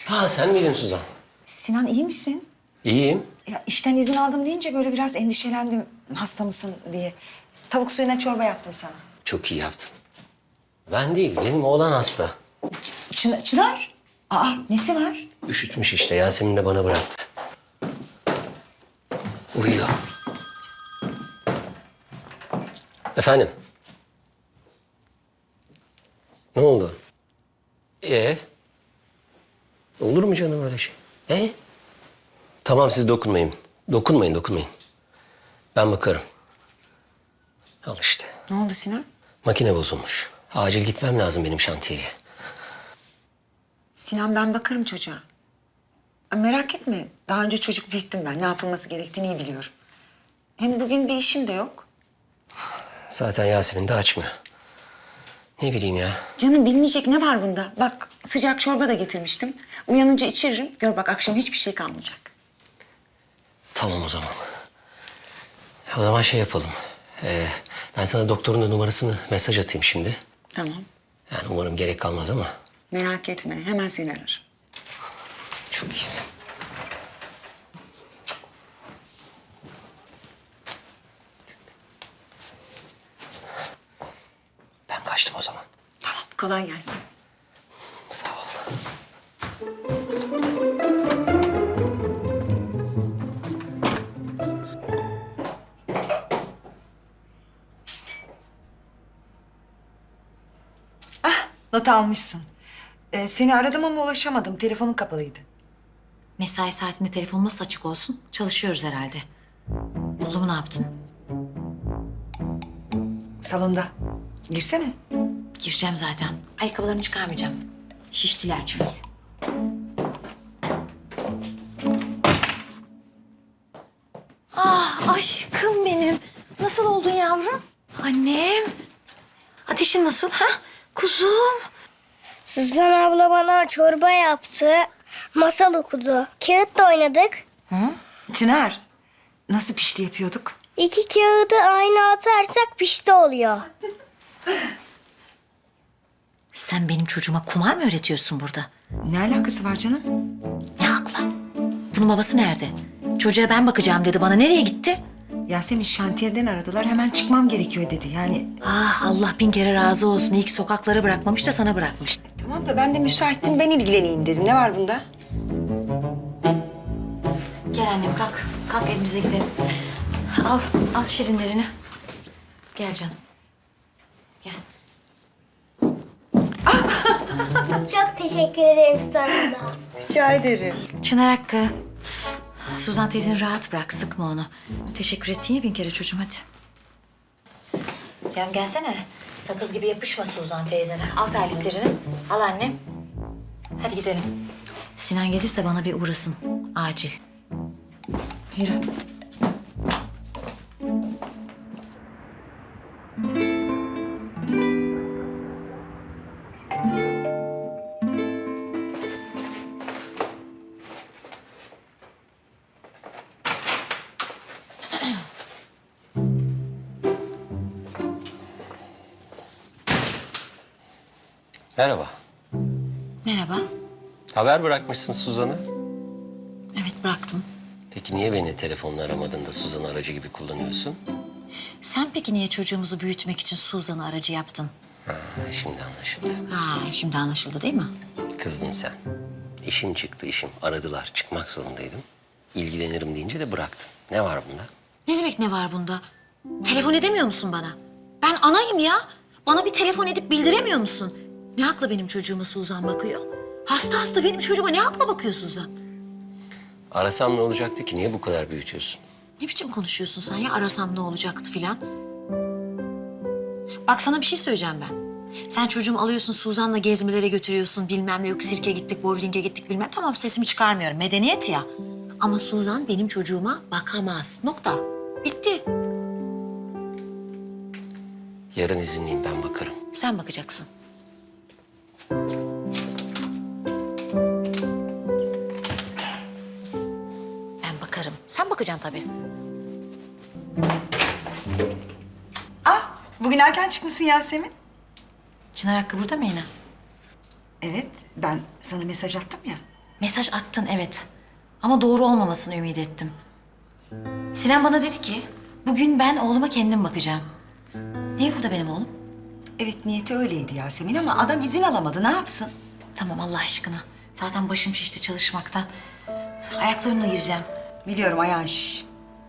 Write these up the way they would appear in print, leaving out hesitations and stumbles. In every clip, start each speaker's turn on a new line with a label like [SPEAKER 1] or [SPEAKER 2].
[SPEAKER 1] Ha sen miydin Suzan?
[SPEAKER 2] Sinan iyi misin?
[SPEAKER 1] İyiyim.
[SPEAKER 2] Ya işten izin aldım deyince böyle biraz endişelendim hasta mısın diye. Tavuk suyuna çorba yaptım sana.
[SPEAKER 1] Çok iyi yaptın. Ben değil, benim oğlan hasta.
[SPEAKER 2] Çınar? Aa nesi var?
[SPEAKER 1] Üşütmüş işte, Yasemin de bana bıraktı. Uyuyor. Efendim? Ne oldu? Olur mu canım öyle şey? Tamam siz dokunmayın. Dokunmayın. Ben bakarım. Al işte.
[SPEAKER 2] Ne oldu Sinan?
[SPEAKER 1] Makine bozulmuş. Acil gitmem lazım benim şantiyeye.
[SPEAKER 2] Sinan ben bakarım çocuğa. Merak etme. Daha önce çocuk büyüttüm ben. Ne yapılması gerektiğini iyi biliyorum. Hem bugün bir işim de yok.
[SPEAKER 1] Zaten Yasemin de açmıyor. Ne bileyim ya.
[SPEAKER 2] Canım bilmeyecek ne var bunda? Bak sıcak çorba da getirmiştim. Uyanınca içiririm. Gör bak akşam hiçbir şey kalmayacak.
[SPEAKER 1] Tamam o zaman. O zaman şey yapalım. Ben sana doktorun da numarasını mesaj atayım şimdi.
[SPEAKER 2] Tamam.
[SPEAKER 1] Yani umarım gerek kalmaz ama.
[SPEAKER 2] Merak etme. Hemen seni ararım.
[SPEAKER 1] Çok iyisin. Ben kaçtım o zaman.
[SPEAKER 2] Tamam. Kolay gelsin.
[SPEAKER 1] Sağ ol.
[SPEAKER 2] Not almışsın. Seni aradım ama ulaşamadım. Telefonun kapalıydı.
[SPEAKER 3] Mesai saatinde telefonum nasıl açık olsun? Çalışıyoruz herhalde. Oğlumu ne yaptın?
[SPEAKER 2] Salonda. Girsene.
[SPEAKER 3] Gireceğim zaten. Ayakkabılarımı çıkarmayacağım. Şiştiler çünkü. Ah aşkım benim. Nasıl oldun yavrum? Annem. Ateşin nasıl ha? Kuzum.
[SPEAKER 4] Suzan abla bana çorba yaptı. Masal okudu. Kağıtla oynadık.
[SPEAKER 2] Çınar. Nasıl pişti yapıyorduk?
[SPEAKER 4] 2 kağıdı aynı atarsak pişti oluyor.
[SPEAKER 3] Sen benim çocuğuma kumar mı öğretiyorsun burada?
[SPEAKER 2] Ne alakası var canım?
[SPEAKER 3] Ne hakla? Bunun babası nerede? Çocuğa ben bakacağım dedi bana. Nereye gitti?
[SPEAKER 2] Yasemin şantiyeden aradılar. Hemen çıkmam gerekiyor dedi. Yani
[SPEAKER 3] Ah Allah bin kere razı olsun. İyi ki sokaklara bırakmamış da sana bırakmış.
[SPEAKER 2] tamam da ben de müsaittim. Ben ilgileneyim dedim. Ne var bunda?
[SPEAKER 3] Gel annem kalk. Kalk evimize gidelim. Al şirinlerini. Gel canım. Gel.
[SPEAKER 4] Çok teşekkür ederim Suzan abla.
[SPEAKER 2] Rica ederim.
[SPEAKER 3] Çınar Hakkı. Suzan teyzeni rahat bırak. Sıkma onu. Teşekkür ettin ya bin kere çocuğum hadi. Gel gelsene. Sakız gibi yapışma Suzan teyzene. Al terliklerini. Al annem. Hadi gidelim. Sinan gelirse bana bir uğrasın. Acil. Yürü.
[SPEAKER 1] Merhaba.
[SPEAKER 3] Merhaba.
[SPEAKER 1] Haber bırakmışsın Suzan'a.
[SPEAKER 3] Evet bıraktım.
[SPEAKER 1] Peki niye beni telefonla aramadın da Suzan'ı aracı gibi kullanıyorsun?
[SPEAKER 3] Sen peki niye çocuğumuzu büyütmek için Suzan'ı aracı yaptın?
[SPEAKER 1] Ha, şimdi anlaşıldı.
[SPEAKER 3] Ha, şimdi anlaşıldı değil mi?
[SPEAKER 1] Kızdın sen. İşim çıktı işim. Aradılar. Çıkmak zorundaydım. İlgilenirim deyince de bıraktım. Ne var bunda?
[SPEAKER 3] Ne demek ne var bunda? Telefon edemiyor musun bana? Ben anayım ya. Bana bir telefon edip bildiremiyor musun? Ne hakla benim çocuğuma Suzan bakıyor? Hasta benim çocuğuma ne hakla bakıyor Suzan?
[SPEAKER 1] Arasam ne olacaktı ki? Niye bu kadar büyütüyorsun?
[SPEAKER 3] Ne biçim konuşuyorsun sen ya? Arasam ne olacaktı filan? Bak sana bir şey söyleyeceğim ben. Sen çocuğumu alıyorsun Suzan'la gezmelere götürüyorsun bilmem ne yok sirke gittik, bowling'e gittik bilmem. Tamam sesimi çıkarmıyorum medeniyet ya. Ama Suzan benim çocuğuma bakamaz. Nokta. Bitti.
[SPEAKER 1] Yarın izinliyim ben bakarım.
[SPEAKER 3] Sen bakacaksın. Ben bakarım. Sen bakacaksın tabii.
[SPEAKER 2] Bugün erken çıkmışsın Yasemin.
[SPEAKER 3] Çınar Hakkı burada mı yine?
[SPEAKER 2] Evet, ben sana mesaj attım ya.
[SPEAKER 3] Mesaj attın evet. Ama doğru olmamasını ümit ettim. Sinan bana dedi ki, bugün ben oğluma kendim bakacağım. Niye burada benim oğlum?
[SPEAKER 2] Evet niyeti öyleydi Yasemin ama adam izin alamadı. Ne yapsın?
[SPEAKER 3] Tamam Allah aşkına. Zaten başım şişti çalışmaktan. Ayaklarımla gireceğim.
[SPEAKER 2] Biliyorum ayağın şiş.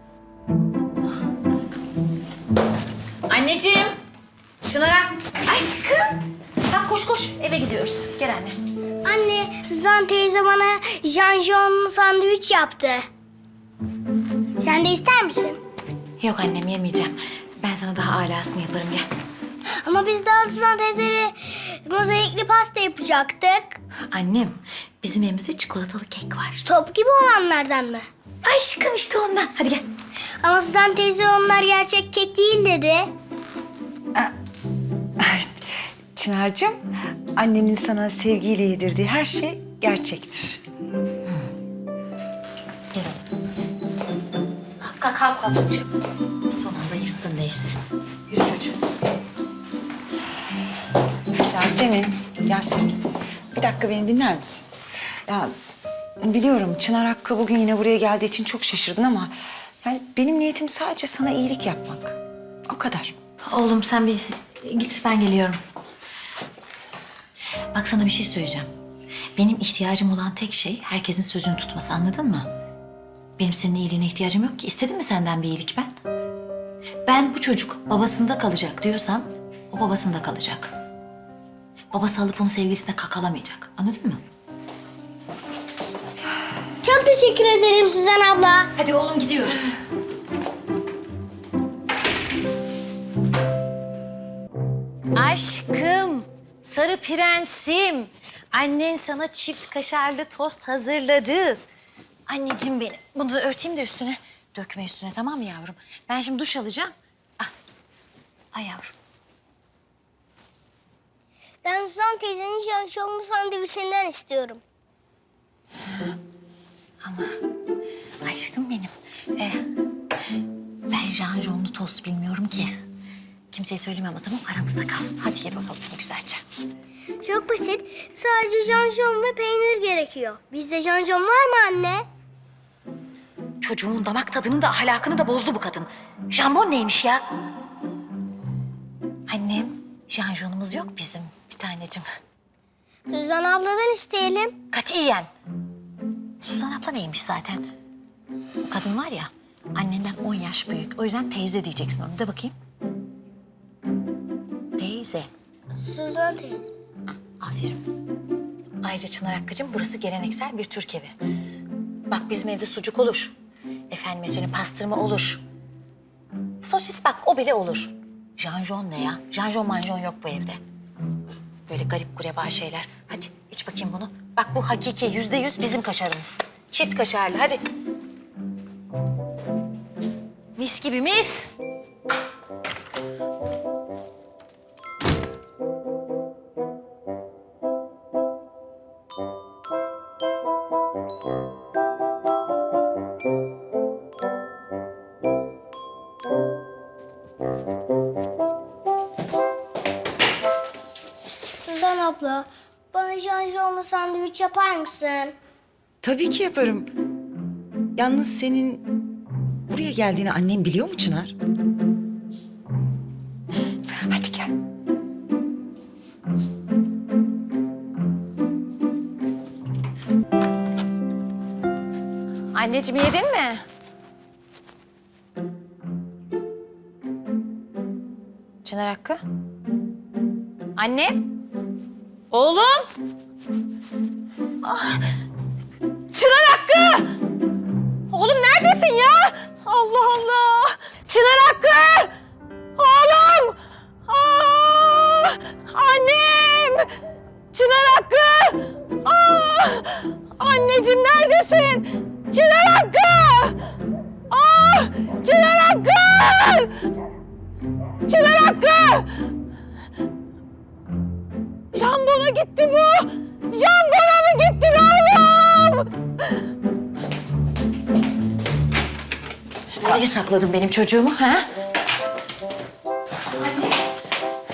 [SPEAKER 3] Anneciğim. Çınar'a. Aşkım. Bak koş koş eve gidiyoruz. Gel anne.
[SPEAKER 4] Anne, Suzan teyze bana janjonlu sandviç yaptı. Sen de ister misin?
[SPEAKER 3] Yok annem yemeyeceğim. Ben sana daha alasını yaparım gel.
[SPEAKER 4] Ama biz daha Suzan teyzeyle mozaikli pasta yapacaktık.
[SPEAKER 3] Annem bizim evimizde çikolatalı kek var.
[SPEAKER 4] Top gibi olanlardan mı?
[SPEAKER 3] Aşkım işte ondan. Hadi gel.
[SPEAKER 4] Ama Suzan teyze onlar gerçek kek değil dedi.
[SPEAKER 2] Çınar'cığım, annenin sana sevgiyle yedirdiği her şey gerçektir.
[SPEAKER 3] Gel oğlum. Kalk kalk kalk. Son anda yırttın neyse. Yürü çocuğum.
[SPEAKER 2] Yasemin, bir dakika beni dinler misin? Ya biliyorum Çınar Hakkı bugün yine buraya geldiği için çok şaşırdın ama... ...yani benim niyetim sadece sana iyilik yapmak. O kadar.
[SPEAKER 3] Oğlum sen bir git ben geliyorum. Bak sana bir şey söyleyeceğim. Benim ihtiyacım olan tek şey herkesin sözünü tutması anladın mı? Benim senin iyiliğine ihtiyacım yok ki. İstedim mi senden bir iyilik ben? Ben bu çocuk babasında kalacak diyorsam o babasında kalacak. Babası alıp onu sevgilisine kakalamayacak. Anladın mı?
[SPEAKER 4] Çok teşekkür ederim Suzan abla.
[SPEAKER 3] Hadi oğlum gidiyoruz. Aşkım, sarı prensim. Annen sana çift kaşarlı tost hazırladı. Anneciğim benim. Bunu da örteyim de üstüne. Dökme üstüne tamam mı yavrum? Ben şimdi duş alacağım. Ah. Ay yavrum.
[SPEAKER 4] Ben Suzan teyzenin janjonlu sandviçinden istiyorum.
[SPEAKER 3] Ama aşkım benim. Ben janjonlu tost bilmiyorum ki. Kimseye söyleme ama tamam aramızda kalsın. Hadi ye bakalım güzelce.
[SPEAKER 4] Çok basit. Sadece janjon ve peynir gerekiyor. Bizde janjon var mı anne?
[SPEAKER 3] Çocuğumun damak tadını da ahlakını da bozdu bu kadın. Jambon neymiş ya? Annem, janjonumuz yok bizim bir tanecim.
[SPEAKER 4] Suzan abladan isteyelim.
[SPEAKER 3] Katiyen. Suzan abla neymiş zaten? O kadın var ya, annenden 10 yaş büyük. O yüzden teyze diyeceksin onu. De bakayım. Teyze.
[SPEAKER 4] Suzan teyze.
[SPEAKER 3] Aferin. Ayrıca Çınar Hakkı'cığım burası geleneksel bir Türk evi. Bak bizim evde sucuk olur. Efendime söyleyeyim pastırma olur. Sosis bak o bile olur. Janjon ne ya? Janjon manjon yok bu evde. Böyle garip kureba şeyler. Hadi iç bakayım bunu. Bak bu hakiki %100 bizim kaşarımız. Çift kaşarlı hadi. Mis gibi mis.
[SPEAKER 4] Suzan abla, bana janjonlu sandviç yapar mısın?
[SPEAKER 2] Tabii ki yaparım. Yalnız senin buraya geldiğini annem biliyor mu Çınar? Hadi gel.
[SPEAKER 3] Anneciğim yedin mi? Çınar Hakkı. Anne. Oğlum. Çınar Hakkı. Oğlum neredesin ya? Allah Allah. Çınar Hakkı. Oğlum. Aa, annem. Çınar Hakkı. Aa, anneciğim neredesin? Çınar Hakkı. Aa, Çınar Hakkı. Çınar Hakkı. Jambona gitti bu. Jambona mı gittin oğlum? Nereye sakladın benim çocuğumu ha?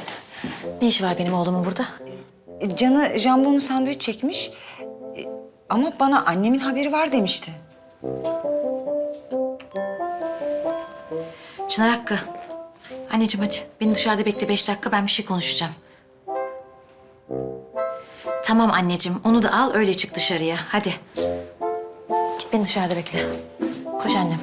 [SPEAKER 3] Ne işi var benim oğlumun burada?
[SPEAKER 2] Canı jambonlu sandviç çekmiş. Ama bana annemin haberi var demişti.
[SPEAKER 3] Çınar Hakkı. Anneciğim hadi. Beni dışarıda bekle 5 dakika, ben bir şey konuşacağım. Tamam anneciğim, onu da al öyle çık dışarıya. Hadi. Git beni dışarıda bekle. Koş annem.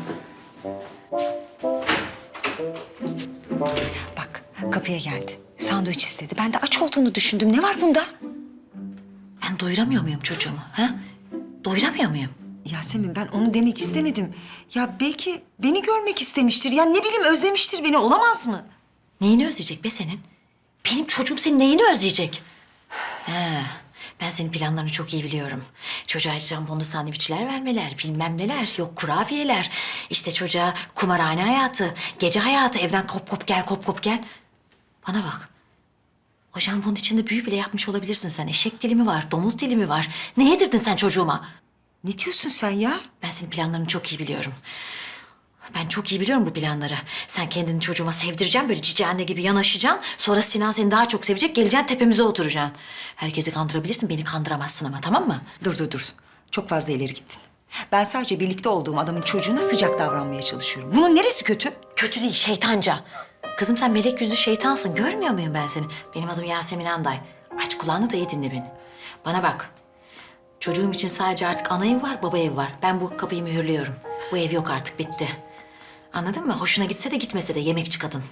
[SPEAKER 2] Bak kapıya geldi. Sandviç istedi. Ben de aç olduğunu düşündüm. Ne var bunda?
[SPEAKER 3] Ben doyuramıyor muyum çocuğumu? Ha? Doyuramıyor muyum?
[SPEAKER 2] Yasemin ben onu demek istemedim. Ya belki beni görmek istemiştir. Ya ne bileyim özlemiştir beni. Olamaz mı?
[SPEAKER 3] Neyini özleyecek be senin? Benim çocuğum senin neyini özleyecek? He, ben senin planlarını çok iyi biliyorum. Çocuğa jambonlu sandviçler vermeler, bilmem neler, yok kurabiyeler. İşte çocuğa kumarhane hayatı, gece hayatı, evden kop kop gel, kop kop gel. Bana bak. O jambonun içinde büyü bile yapmış olabilirsin sen. Eşek dilimi var, domuz dilimi var. Ne yedirdin sen çocuğuma?
[SPEAKER 2] Ne diyorsun sen ya?
[SPEAKER 3] Ben senin planlarını çok iyi biliyorum. Ben çok iyi biliyorum bu planları. Sen kendini çocuğuma sevdireceksin, böyle cici anne gibi yanaşacaksın. Sonra Sinan seni daha çok sevecek, geleceksin tepemize oturacaksın. Herkesi kandırabilirsin, beni kandıramazsın ama, tamam mı?
[SPEAKER 2] Dur. Çok fazla ileri gittin. Ben sadece birlikte olduğum adamın çocuğuna sıcak davranmaya çalışıyorum. Bunun neresi kötü?
[SPEAKER 3] Kötü değil, şeytanca. Kızım sen melek yüzlü şeytansın, görmüyor muyum ben seni? Benim adım Yasemin Anday. Aç kulağını da iyi dinle beni. Bana bak. Çocuğum için sadece artık ana ev var, baba ev var. Ben bu kapıyı mühürlüyorum. Bu ev yok artık, bitti. Anladın mı? Hoşuna gitse de gitmese de yemekçi kadın.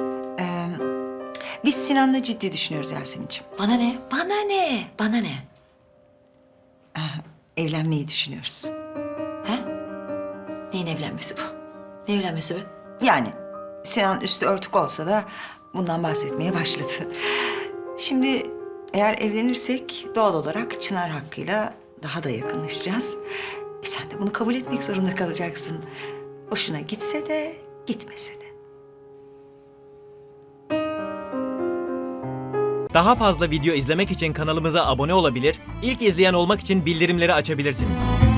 [SPEAKER 2] Biz Sinan'la ciddi düşünüyoruz Yasemin'ciğim.
[SPEAKER 3] Bana ne? Bana ne? Bana ne?
[SPEAKER 2] Evlenmeyi düşünüyoruz.
[SPEAKER 3] He? Neyin evlenmesi bu? Ne evlenmesi bu?
[SPEAKER 2] Yani Sinan üstü örtük olsa da bundan bahsetmeye başladı. Şimdi eğer evlenirsek doğal olarak Çınar Hakkı'yla daha da yakınlaşacağız. Sen de bunu kabul etmek zorunda kalacaksın. Hoşuna gitse de gitmese de.
[SPEAKER 5] Daha fazla video izlemek için kanalımıza abone olabilir, ilk izleyen olmak için bildirimleri açabilirsiniz.